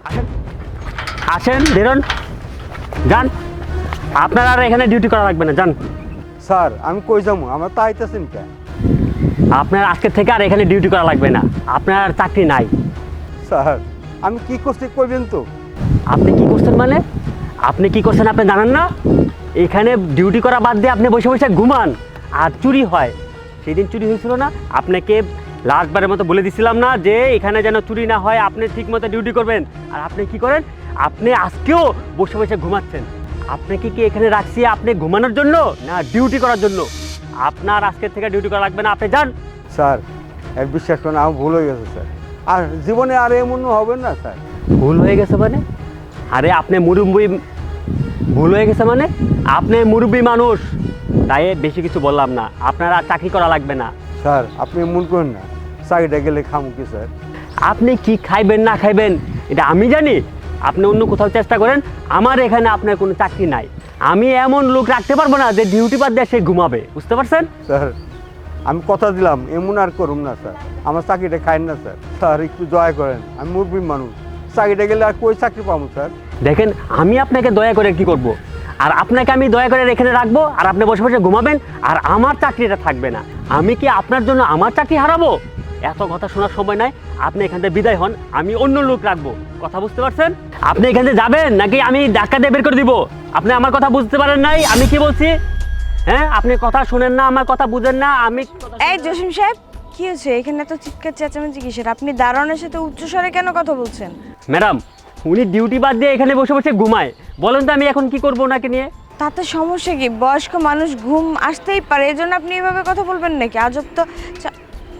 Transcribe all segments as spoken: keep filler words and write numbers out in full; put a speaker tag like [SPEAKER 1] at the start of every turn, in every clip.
[SPEAKER 1] আসেন আসেন বেরোন যান। আপনার আর এখানে ডিউটি করা লাগবে না, যান।
[SPEAKER 2] স্যার আমি কই যাবো, আমার তো আইতেছেন কে?
[SPEAKER 1] আপনার আজকের থেকে আর এখানে ডিউটি করা লাগবে না, আপনার আর চাকরি নাই।
[SPEAKER 2] স্যার আমি কি করছি কইবেন তো?
[SPEAKER 1] আপনি কি করছেন মানে? আপনি কি করছেন আপনি জানেন না? এখানে ডিউটি করা বাদ দিয়ে আপনি বসে বসে ঘুমান আর চুরি হয়। সেদিন চুরি হয়েছিল না, আপনাকে লাস্টবারের মতো বলে দিছিলাম না যে এখানে যেন চুরি না হয়, আপনি ঠিক মতো ডিউটি করবেন। আর আপনি কি করেন? আপনি আজকেও বসে বসে ঘুমাচ্ছেন। আপনাকে কি এখানে রাখছি আপনি ঘুমানোর জন্য না ডিউটি করার জন্য? আপনার আজকের থেকে ডিউটি করা লাগবে না, আপনি যান।
[SPEAKER 2] স্যার এক বিশ্বাস করেন আমার ভুল হয়ে গেছে স্যার, আর জীবনে আর এমন হবে না স্যার।
[SPEAKER 1] ভুল হয়ে গেছে মানে? আরে আপনি মুরব্বি, ভুল হয়ে গেছে মানে? আপনি মুরব্বি মানুষ, তাই বেশি কিছু বললাম না। আপনার আর চাকরি করা লাগবে না।
[SPEAKER 2] স্যার আপনি মন করেন না, চাকরিটা গেলে খামু কি স্যার?
[SPEAKER 1] আপনি কি খাইবেন না খাইবেন এটা আমি জানি। আপনি অন্য কোথাও চেষ্টা করেন, আমার এখানে আপনার কোনো চাকরি নাই। আমি এমন লোক রাখতে পারবো না যে ডিউটি বাদ দিয়ে সে ঘুমাবে, বুঝতে পারছেন?
[SPEAKER 2] স্যার আমি কথা দিলাম এমন আর করুম না স্যার, আমার চাকরিটা খাইন না স্যার। স্যার একটু দয়া করেন, আমি মুরব্বী মানুষ, চাকরিটা গেলে আর কই চাকরি পাবো স্যার?
[SPEAKER 1] দেখেন আমি আপনাকে দয়া করে কি করব, আর আপনাকে আমি দয়া করে এখানে রাখবো আর আপনি বসে বসে ঘুমাবেন আর আমার চাকরিটা থাকবে না। আমি কি আপনার জন্য আমার চাকরি হারাবো? এত কথা শোনার সময় নাই, আপনি এখান থেকে বিদায় হন, আমি অন্য লোক রাখবো। কথা বুঝতে পারছেন? আপনি এখান থেকে যাবেন নাকি আমি ধাক্কা দিয়ে বের করে দিব? আপনি আমার কথা বুঝতে পারেন নাই আমি কি বলছি? হ্যাঁ, আপনি কথা শুনেন না, আমার কথা বুঝেন না। আমি
[SPEAKER 3] এই জসিম সাহেব, কি হয়েছে এখানে? এত চিৎকার চেঁচামেচি কিসের? আপনি দারোয়ানের সাথে উচ্চস্বরে কেন কথা বলছেন?
[SPEAKER 1] ম্যাডাম, উনি ডিউটি বাদ দিয়ে এখানে বসে বসে ঘুমায়। বলেন তো আমি এখন কি করবো ওনাকে নিয়ে?
[SPEAKER 3] তাতে সমস্যা কি? বয়স্ক মানুষ ঘুম আসতেই পারে, এজন্য আপনি এভাবে কথা বলবেন নাকি? আজব তো। চা-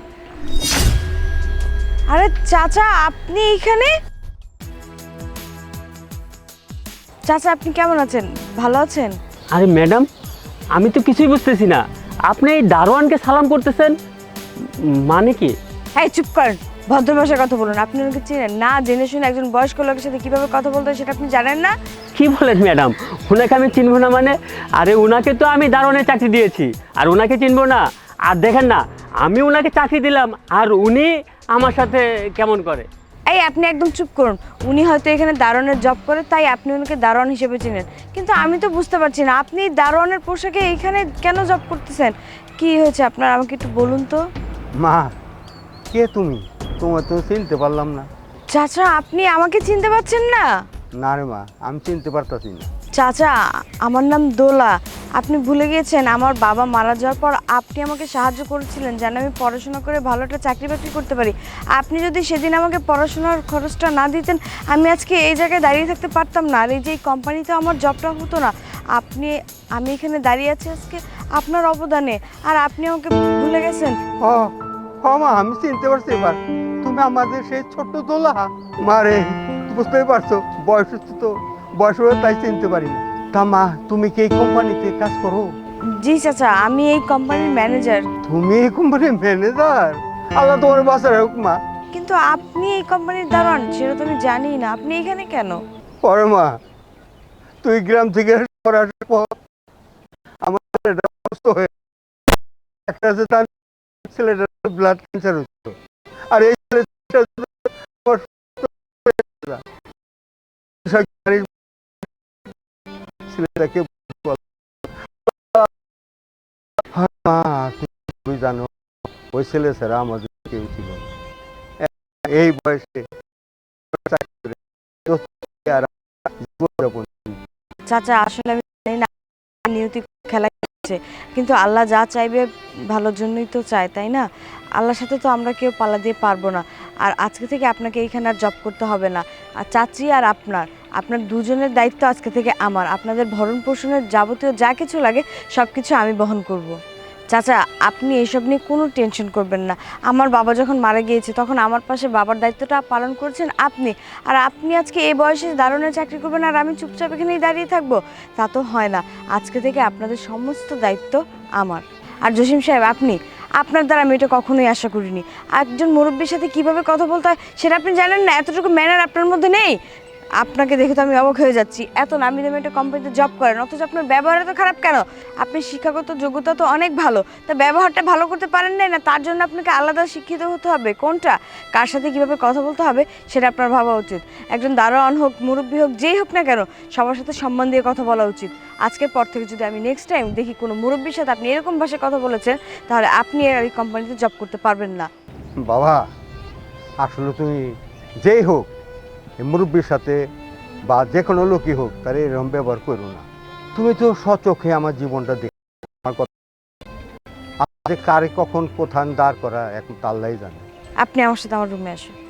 [SPEAKER 3] আরে চাচা, আপনি এখানে? চাচা আপনি কেমন আছেন? ভালো আছেন?
[SPEAKER 1] আরে ম্যাডাম, আমি তো কিছুই বুঝতেছি না। আপনি এই দারোয়ানকে সালাম করতেছেন মানে কি?
[SPEAKER 3] এই চুপ করেন, ভদ্র ভাষায় কথা বলুন। আপনি ওনাকে চিনেন না? জেনে শুনে একজন বয়স্ক লোকের সাথে কিভাবে কথা বলতে হয় সেটা আপনি জানেন না?
[SPEAKER 1] কি বলেন ম্যাডাম? ওনাকে আমি চিনবো না মানে? আরে ওনাকে তো আমি দারোয়ানের চাকরি দিয়েছি, আর ওনাকে চিনবো না? আর দেখেন না, আমি ওনাকে চাকরি দিলাম আর উনি আমার সাথে কেমন করে?
[SPEAKER 3] এই আপনি একদম চুপ করুন। উনি হয়তো এখানে দারোয়ানের জব করে, তাই আপনি ওনাকে দারোয়ান হিসেবে চিনেন। কিন্তু আমি তো বুঝতে পারছি না, আপনি দারোয়ানের পোশাকে এইখানে কেন জব করতেছেন? কি হয়েছে আপনার, আমাকে একটু বলুন তো।
[SPEAKER 2] মা কে তুমি? তোমার তো চিনতে পারলাম না।
[SPEAKER 3] চাচা আপনি আমাকে চিনতে পারছেন না?
[SPEAKER 2] না রে মা, আমি চিনতে পারতাছি না।
[SPEAKER 3] চাচা আমার নাম দোলা। আপনি ভুলে গিয়েছেন আমার বাবা মারা যাওয়ার পর আপনি আমাকে সাহায্য করেছিলেন যেন আমি পড়াশোনা করে ভালো একটা চাকরি বাকরি করতে পারি। আপনি যদি সেদিন আমাকে পড়াশোনার খরচটা না দিতেন, আমি আজকে এই জায়গায় দাঁড়িয়ে থাকতে পারতাম না, আর এই যে এই কোম্পানিতে আমার জবটা হতো না। আপনি, আমি এখানে দাঁড়িয়ে আছি আজকে আপনার অবদানে, আর আপনি আমাকে ভুলে গেছেন।
[SPEAKER 2] ও হ মা, আমি চিনতে পারছি এবার। তুমি আমাদের সেই ছোট্ট দোলা। মারে বুঝতেই পারছো, বয়স হচ্ছে তো, বয়স হয়ে তাই চিনতে পারি না। তা মা তুমি কি এই কোম্পানিতে কাজ করো?
[SPEAKER 3] জি চাচা, আমি এই কোম্পানির ম্যানেজার।
[SPEAKER 2] তুমি এই কোম্পানির ম্যানেজার? আল্লাহ তোমার বাঁচার হোক মা।
[SPEAKER 3] কিন্তু আপনি এই কোম্পানির দারোয়ান সেটা তো আমি জানি না। আপনি এখানে কেন?
[SPEAKER 2] পরে মা, তুই গ্রাম থেকে শহরে আসার পর আমার ছেলেটা অসুস্থ হয়ে, একটা আছে তার ছেলেটার ব্লাড ক্যান্সার হচ্ছে, আর এই ছেলেটা আমার ছেলেটাকে বল। হ্যাঁ মা, তুমি জানো ওই ছেলে ছাড়া আমাদের কেউ ছিল না। এই বয়সে জীবনযাপন।
[SPEAKER 3] চাচা আসলে আমি জানি না নিয়তি খেলা খেলছে, কিন্তু আল্লাহ যা চাইবে ভালোর জন্যই তো চায়, তাই না? আল্লাহর সাথে তো আমরা কেউ পাল্লা দিয়ে পারবো না। আর আজকে থেকে আপনাকে এইখানে আর জব করতে হবে না। আর চাচি আর আপনার, আপনার দুজনের দায়িত্ব আজকে থেকে আমার। আপনাদের ভরণ পোষণের যাবতীয় যা কিছু লাগে সব কিছু আমি বহন করব। চাচা আপনি এইসব নিয়ে কোনো টেনশন করবেন না। আমার বাবা যখন মারা গিয়েছে তখন আমার পাশে বাবার দায়িত্বটা পালন করেছেন আপনি। আর আপনি আজকে এই বয়সে দারুণের চাকরি করবেন আর আমি চুপচাপ এখানেই দাঁড়িয়ে থাকবো, তা তো হয় না। আজকে থেকে আপনাদের সমস্ত দায়িত্ব আমার। আর জসিম সাহেব, আপনি, আপনার দ্বারা আমি এটা কখনোই আশা করিনি। একজন মুরব্বীর সাথে কিভাবে কথা বলতে হয় সেটা আপনি জানেন না? এতটুকু ম্যানার আপনার মধ্যে নেই। আপনাকে দেখে তো আমি অবাক হয়ে যাচ্ছি, এত নামি দামি একটা কোম্পানিতে জব করেন অথচ আপনার ব্যবহার এত খারাপ কেন? আপনি শিক্ষাগত যোগ্যতা তো অনেক ভালো, তা ব্যবহারটা ভালো করতে পারেন নাই না? তার জন্য আপনাকে আলাদা শিক্ষিত হতে হবে? কোনটা, কার সাথে কীভাবে কথা বলতে হবে সেটা আপনার ভাবা উচিত। একজন দারোয়ান হোক, মুরব্বী হোক, যেই হোক না কেন, সবার সাথে সম্মান দিয়ে কথা বলা উচিত। আজকের পর থেকে যদি আমি নেক্সট টাইম দেখি কোনো মুরব্বীর সাথে আপনি এরকম ভাষায় কথা বলেছেন, তাহলে আপনি আর এই কোম্পানিতে জব করতে পারবেন না।
[SPEAKER 2] বাবা, আসলে তুমি যেই হোক এই মুরব্বীর সাথে বা যে কোনো লোকই হোক তার এরকম ব্যবহার করো না। তুমি তো স্বচোখে আমার জীবনটা দেখো, আমার কথা কারে কখন কোথায় দাঁড় করা এখন তো আল্লাহই জানে।
[SPEAKER 3] আপনি আমার সাথে আমার রুমে আসুন।